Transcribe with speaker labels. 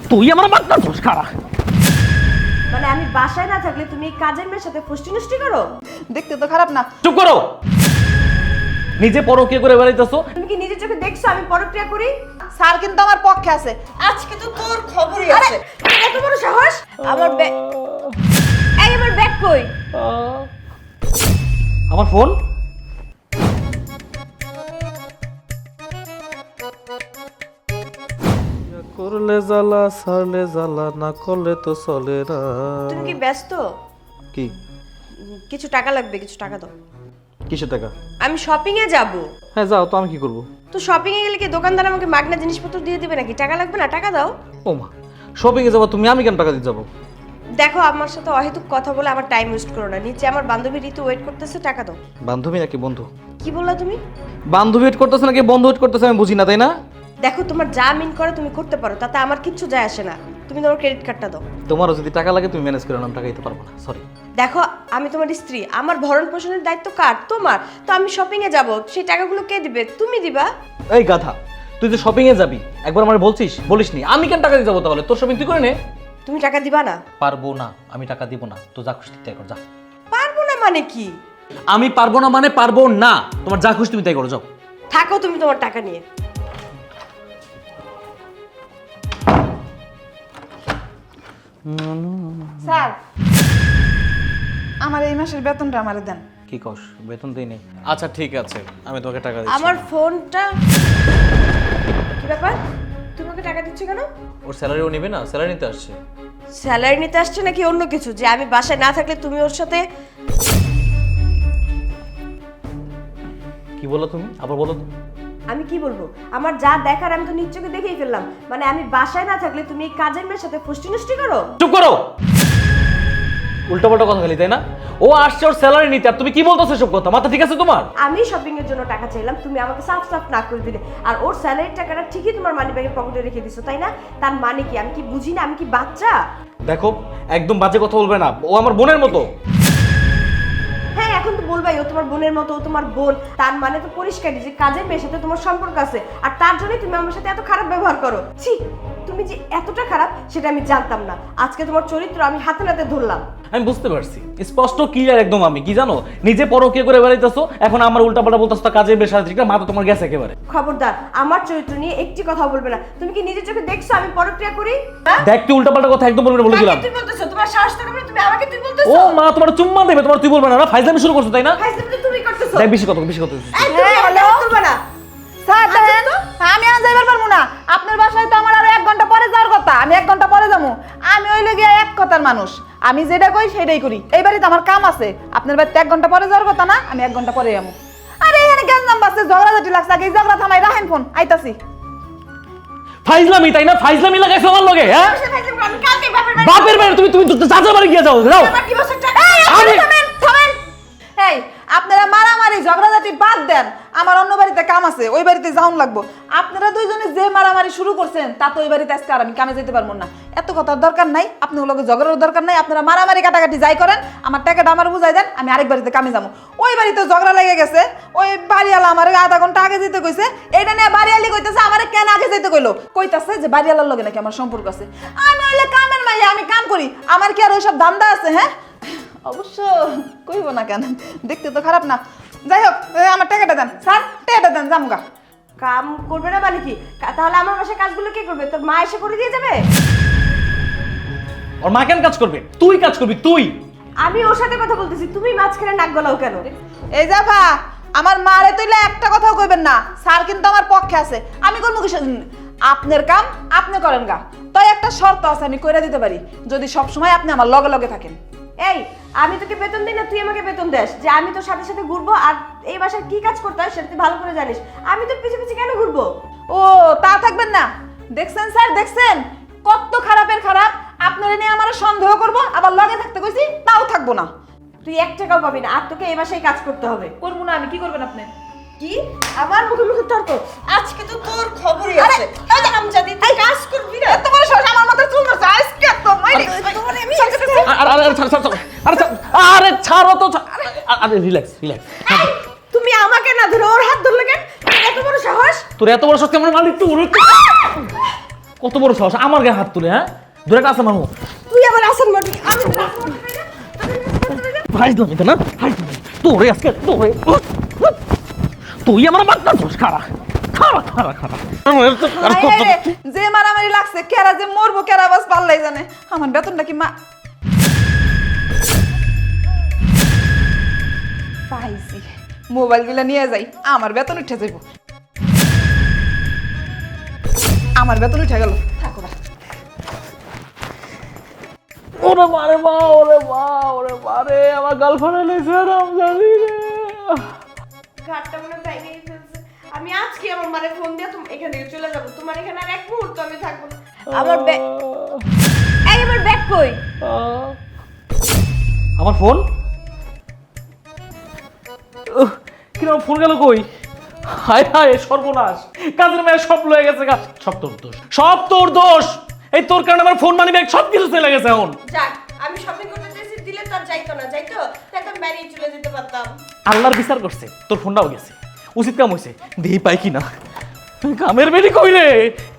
Speaker 1: তুই আমার মারতাছস খারা।
Speaker 2: মানে আমি বাসায় না থাকলে তুমি এই কাজের মেয়ের সাথে ফুষ্টি নষ্টি করো?
Speaker 3: দেখতে তো খারাপ না।
Speaker 1: চুপ করো। নিজে পরকিয়া করে বেড়াইতেছো।
Speaker 2: তুমি কি নিজের চোখে দেখছো আমি পরক্রিয়া করি?
Speaker 3: স্যার কিন্তু আমার পক্ষে আছে।
Speaker 2: আজকে তো তোর খবরই আছে। এত বড় সাহস! আমার ব্যাগ, এই আমার ব্যাগ কই?
Speaker 1: আমার ফোন। করলে জ্বালা ছাড়লে জ্বালা না করলে তো চলে না।
Speaker 2: তুমি কি ব্যস্ত?
Speaker 1: কি?
Speaker 2: কিছু টাকা লাগবে, কিছু টাকা দাও।
Speaker 1: কিসের টাকা?
Speaker 2: আমি শপিং এ যাব।
Speaker 1: হ্যাঁ যাও, তো আমি কি করব?
Speaker 2: তো শপিং এ গেলে কি দোকানদার আমাকে মাগনা জিনিসপত্র দিয়ে দিবে নাকি? টাকা লাগবে না? টাকা দাও।
Speaker 1: ও মা, শপিং এ যাবো তুমি, আমি কেন টাকা দিতে যাবো?
Speaker 2: দেখো আমার সাথে অহেতুক কথা বলে আমার টাইম ওয়েস্ট করো না। নিচে আমার বান্ধবী ঋতু ওয়েট করতেছে, টাকা দাও।
Speaker 1: বান্ধবী নাকি বন্ধু?
Speaker 2: কি বললা তুমি?
Speaker 1: বান্ধবী ওয়েট করতেছে নাকি বন্ধু ওয়েট করতেছে আমি বুঝি না, তাই না?
Speaker 2: দেখো তোমার যা মিন করে তুমি করতে পারো, তাতে আমার কিচ্ছু যায় আসে না। তুমি তোমার ক্রেডিট কার্ডটা দাও।
Speaker 1: তোমারও যদি টাকা লাগে তুমি ম্যানেজ করে নাও, টাকা দিতে পারবো না, সরি।
Speaker 2: দেখো আমি তোমার স্ত্রী, আমার ভরণ পোষণের দায়িত্ব কার? তোমার। তো আমি শপিং এ যাব, সেই টাকাগুলো কে দিবে? তুমি দিবা।
Speaker 1: এই গাধা, তুই যে শপিং এ যাবি একবার আমার বলিসনি, আমি কেন টাকা দিতে যাবো? তাহলে তোর শপিং তুই করে নে।
Speaker 2: তুমি টাকা দিবা না?
Speaker 1: পারবো না, আমি টাকা দিব না। তো যা খুশি তাই কর, যা।
Speaker 2: পারবো না মানে কি?
Speaker 1: আমি পারবো না মানে পারবো না, তোমার যা খুশি তুমি তাই করো, যাও।
Speaker 2: থাকো তুমি তোমার টাকা নিয়ে।
Speaker 3: স্যার, আমার এই মাসের বেতনটা আমারে দেন।
Speaker 1: কি কস? বেতন দেই নেই? আচ্ছা ঠিক আছে, আমি তোমাকে টাকা দিচ্ছি।
Speaker 2: আমার ফোনটা কি ব্যাপার? তুমি ওকে টাকা দিচ্ছ কেন?
Speaker 1: ওর স্যালারিও নেবে না, স্যালারি নিতে আসছে।
Speaker 2: স্যালারি নিতে আসছে নাকি অন্য কিছু? যে আমি বাসায় না থাকলে তুমি ওর সাথে
Speaker 1: কি বলো তুমি? আবার বলো তো।
Speaker 2: আমি কি বলবো? আমার যা দেখার আমি তো নিজ চোখে দেখেই ফেললাম। মানে আমি বাসায় না থাকলে তুমি এই কাজের মেয়ের সাথে ফুষ্টি নষ্টি করো?
Speaker 1: চুপ করো। উল্টাপাল্টা কথা খালি, তাই না? ও আসছে ওর স্যালারি নিতে, আর তুমি কি বলতেছো সব কথা? মাথা ঠিক আছে তোমার?
Speaker 2: আমি শপিং এর জন্য টাকা চাইলাম, তুমি আমাকে সাফ সাফ না করে দিলে। আর ওর স্যালারির টাকাটা ঠিকই তোমার মানি ব্যাগের পকেটে রেখে দিছো, তাই না? তার মানে কি? আমি কি বুঝি না? আমি কি বাচ্চা?
Speaker 1: দেখো, একদম বাজে কথা বলবে না, ও আমার বোনের মতো।
Speaker 2: হ্যাঁ এখন তো বলবাই ও তোমার বোনের মতো, ও তোমার বোন। তার মানে তো পরিষ্কারই যে কাজের মেয়ের সাথে তোমার সম্পর্ক আছে, আর তার জন্যই তুমি আমার সাথে এত খারাপ ব্যবহার করো। ছি, তুমি যে এতটা খারাপ সেটা আমি জানতাম না। আজকে তোমার চরিত্র আমি হাতে নাতে ধরলাম।
Speaker 1: আমি বুঝতে পারছি, স্পষ্ট ক্লিয়ার একদম। আমি কি জানো, নিজে পরকিয়া করে বেড়াইতেছো, এখন আমার উল্টাপাল্টা বলতেছো, তা কাজে বেশ ঠিক না, মাথা তোমার গেছে একেবারে।
Speaker 2: খবরদার আমার চরিত্র নিয়ে একটি কথা বলবে না। তুমি কি নিজের চোখে দেখছো আমি পরক্রিয়া করি?
Speaker 1: দেখ, তুই উল্টাপাল্টা কথা একদম বলবে না বলে দিলাম।
Speaker 2: তুই বলতেছো, তোমার সাহস থাকে না, তুমি আমাকে তুই বলতেছো?
Speaker 1: ও মা, তোমার চুম্মা দেবে, তোমার তুই বলবে না, না ফাইজলামি শুরু করছো, তাই না?
Speaker 2: ফাইজলামি তো তুমি করতেছো।
Speaker 1: দেখ, বেশি কথা।
Speaker 2: এই তুমি হ্যালো করবে না।
Speaker 3: স্যার দেখেন, আমি আর যাইবার পারবো না। আপনার বাসায় তো আমার আরো 1 ঘন্টা পরে যাওয়ার কথা, আমি 1 ঘন্টা পরে যাবো। আমি হইলে গিয়ে এক কথার মানুষ, আমি যেটা কই সেটাই করি। এই বাড়িতে আমার কাম আছে, আপনার বাড়িতে 1 ঘন্টা পরে যাওয়ার কথা না, আমি 1 ঘন্টা পরে যাবো। আরে এখানে গ্যাঞ্জাম বাজছে, ঝগড়াঝাটি লাগছে, আগে এই ঝগড়া থামাই, রাখেন ফোন, আইতাছি।
Speaker 1: ফাইজলামি, তাই না? ফাইজলামি লাগাইছো আমার লগে, হ্যাঁ?
Speaker 2: আমি কালকে বাপের
Speaker 1: বাপের বাড়ি তুমি চাচা বাড়ি গিয়ে যাও, যাও।
Speaker 2: আমার ডিভোর্সের টাকা
Speaker 3: থামেন। এই আপনারা মারামারি ঝগড়াঝাটি বাদ দেন, আমার অন্য বাড়িতে কাম আছে, ওই বাড়িতে যাওন লাগবো। আপনারা দুইজনে যে মারামারি শুরু করছেন তা তো ওই বাড়িতে আজকে আর আমি কামে যেতে পারবো না। এত কথার দরকার নাই, আপনার লগে ঝগড়ার দরকার নাই। আপনারা মারামারি কাটাকাটি যাই করেন, আমার টাকাটা আমার বুঝাই দেন, আমি আরেক বাড়িতে কামে যাবো। ওই বাড়িতে ঝগড়া লেগে গেছে, ওই বাড়িওয়ালা আমার 1/2 ঘন্টা আগে যেতে কইছে। এটা নিয়ে বাড়িওয়ালি কইতেছে আমার কেন আগে যেতে কইলো, কইতাছে যে বাড়িওয়ালার লগে নাকি আমার সম্পর্ক আছে। আমি হইলে কামের মাইয়া, আমি কাম করি, আমার কি আর ওইসব ধান্দা আছে? হ্যাঁ অবশ্য কইব না কেন, দেখতে তো খারাপ না। যাই হোক, আমার টাকাটা দেন স্যার, টাকাটা দেন, জামুগা।
Speaker 2: কাম করবে না মানে কি? তাহলে আমার বাসায় কাজগুলো কে করবে? তোর মা এসে করে দিয়ে যাবে?
Speaker 1: ওর মা কেন কাজ করবে? তুই কাজ করবি, তুই।
Speaker 2: আমি ওর সাথে কথা বলতেছি, তুমি মাঝখানে নাক গলাও কেন?
Speaker 3: এই জাফা, আমার মারে তুইলে একটা কথাও কইবেন না, স্যার কিন্তু আমার পক্ষে আছে। আমি করবো কি? আপনার কাম আপনি করেন গা, তাই একটা শর্ত আছে, আমি কইরা দিতে পারি, যদি সব সময় আপনি আমার লগে লগে থাকেন।
Speaker 2: এই আমি তোকে বেতন দিই না, তুই আমাকে বেতন দেস যে আমি তোর সাথে সাথে ঘুরবো, আর এই বাসায় কি কাজ করতে হয় সেটা তুই ভালো করে জানিস। আমি তোর পিছে পিছে কেন ঘুরবো?
Speaker 3: ও তা থাকবেন না। দেখছেন স্যার, দেখছেন কত খারাপের খারাপ। আপনারা নিয়ে আমার সন্দেহ করবো, আবার লগে থাকতে কইছি, তাও থাকবো না।
Speaker 2: তুই 1 টাকাও পাবি না, আর তোকে এই বাসায় কাজ করতে হবে।
Speaker 3: করবো না আমি, কি করবেন আপনি?
Speaker 2: কি? আমার মুখে মুখে তর্ক? আজকে তো তোর খবরই আছে। এই আমজাদি, তুই কাজ করবি না?
Speaker 3: এত বড় সাহস, আমার মাথায় চুল ধরছে আজকে তো মাইরি।
Speaker 1: আরে ছাড়ো তো, আরে রিল্যাক্স।
Speaker 2: তুমি আমাকে না ধরে ওর হাত ধরলে কেন? এত বড় সাহস?
Speaker 1: তোর এত বড় শক্তি আমার মালিক তো কত বড় সাহস আমার গায়ে হাত তুলে, হ্যাঁ? ধরে কাছে মারো।
Speaker 2: তুই আমার আসান মারবি, আমি তোর আসান মারবি না, আমি তোর আসান মারবি না।
Speaker 1: ভাই তুমি তো না, ভাই তোরে আজকে তোরে তুই আমার মারতা দোষ খারা খারা খারা খারা
Speaker 3: হায় হায় রে, যে মারামারি লাগছে কেরা যে মরবো কেরা বাস পাল্লাই জানে। আমার বেতনটা কি মা পাইছি, মোবাইলগুলো নিয়ে যাই, আমার বেতন উঠে যাইব। আমার বেতন উঠে গেল, থাকো না।
Speaker 1: ওরে মারে মা, ওরে মা, ওরে মারে আমার গার্লফ্রেন্ড এনেছে রামজানি রে।
Speaker 2: ঘাটটা মনে ভেঙে ফেলছে। আমি আজকে আমার মারে ফোন দিয়ে তুমি এখান থেকে চলে যাবো, তোমার এখানে আর এক মুহূর্ত আমি থাকবো না। আমার ব্যাগ, এই আমার ব্যাগ কই?
Speaker 1: আমার ফোন কিরকম ফোন গেল কই? হায় হায় সর্বনাশ, কাজের মেয়ে সব লয়ে গেছে, সব তোর দোষ, সব তোর দোষ। এই তোর কারণে আমার ফোন মানি ব্যাগ সব কিছু চলে গেছে এখন।
Speaker 2: যাক, আমি শপিং করতে চাইছি, দিলে তো আর যাইতো না, যাইতো তাহলে আমি বাইরে চলে যেতে পারতাম।
Speaker 1: আল্লাহর বিচার করছে, তোর ফোনটাও গেছে, উচিত কাম হয়েছে। দেহি পাই কি না, কামের বেরি কই রে?